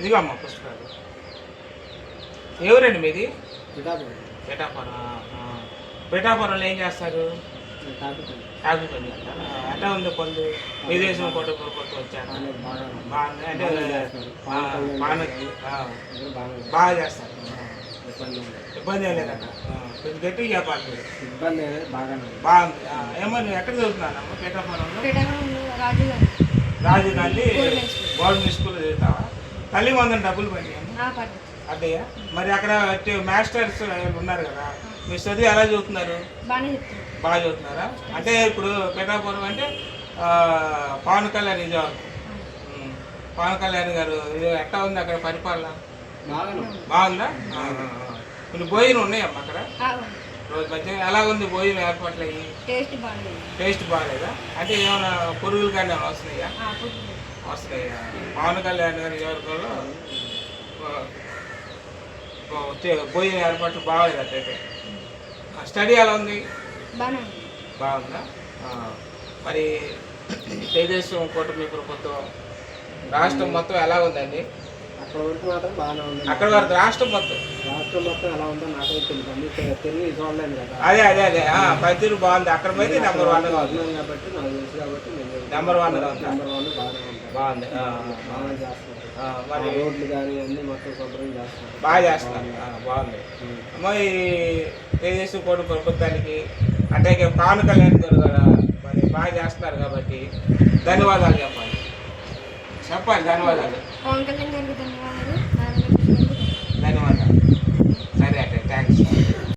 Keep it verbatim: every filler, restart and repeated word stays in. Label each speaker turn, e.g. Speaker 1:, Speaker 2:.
Speaker 1: ఇదిగో అమ్మ పుస్తకాలు. ఎవరండి మీది?
Speaker 2: పిఠాపురం.
Speaker 1: పిఠాపురం. పిఠాపురంలో ఏం చేస్తారు? కాఫీ పని చేస్తారా? ఎట్లా ఉంది పనులు? విదేశం కోట కొరకు వచ్చారు. బాగుంది అంటే బాగా చేస్తారు. ఇబ్బంది ఏం లేదట. కొంచెం గట్టిగా చెప్పాలి మీరు.
Speaker 2: ఇబ్బంది
Speaker 1: బాగుంది. ఏమో నువ్వు ఎక్కడ చదువుతున్నానమ్మా? పిఠాపురంలో రాజీవ్ గాంధీ గవర్నమెంట్ స్కూల్లో చదువుతావా? తల్లి వందన డబ్బులు పడినాయి అద్దయ్యా. మరి అక్కడ మాస్టర్స్ ఉన్నారు కదా, మీరు చదివి ఎలా చదువుతున్నారు? బాగా చదువుతున్నారా? అంటే ఇప్పుడు పిఠాపురం అంటే పవన్ కళ్యాణ్ నిజాం. పవన్ కళ్యాణ్ గారు ఎట్లా ఉంది అక్కడ పరిపాలన? బాగుందా? కొన్ని భోజనం ఉన్నాయమ్మా అక్కడ? రోజు మధ్య ఎలా ఉంది భోజనం ఏర్పాట్లు అయ్యి? టేస్ట్ బాగాలేదా? అంటే ఏమైనా పురుగులు కానీ ఏమైనా వస్తున్నాయా? వస్తున్నాయా? పవన్ కళ్యాణ్ గారి నియోజకవర్గంలో భోజనం ఏర్పాట్లు బాగాలేదు అట్లయితే. స్టడీ ఎలా ఉంది? బాగుందా? మరి తెలుగుదేశం కూటమి ప్రభుత్వం రాష్ట్రం మొత్తం ఎలా ఉందండి?
Speaker 2: అక్కడ వరకు మాత్రం బాగానే ఉంది.
Speaker 1: అక్కడ వరకు రాష్ట్రం మొత్తం
Speaker 2: రాష్ట్రం మొత్తం ఎలా ఉందో నాకైతే తెలుసు. తెలుగు చూడలేదు కదా.
Speaker 1: అదే అదే అదే పైతీరు బాగుంది. అక్కడ పోతే నెంబర్ వన్
Speaker 2: కాబట్టి నాకు తెలుసు కాబట్టి
Speaker 1: నెంబర్ వన్
Speaker 2: నెంబర్ వన్ బాగానే ఉంది.
Speaker 1: బాగుంది.
Speaker 2: బాగా చేస్తారు.
Speaker 1: మరి
Speaker 2: రోడ్లు కానీ అన్ని మొత్తం శుభ్రం చేస్తారు.
Speaker 1: బాగా చేస్తున్నారు. బాగుంది. మరి తెలుగుదేశం కూటమి ప్రభుత్వానికి అంటే పవన్ కళ్యాణ్ గారు కూడా మరి బాగా చేస్తున్నారు కాబట్టి ధన్యవాదాలు చెప్పాలి. చెప్పాలి ధన్యవాదాలు.
Speaker 3: పవన్ కళ్యాణ్ గారికి ధన్యవాదాలు.
Speaker 1: ధన్యవాదాలు. సరే అంటే థ్యాంక్స్.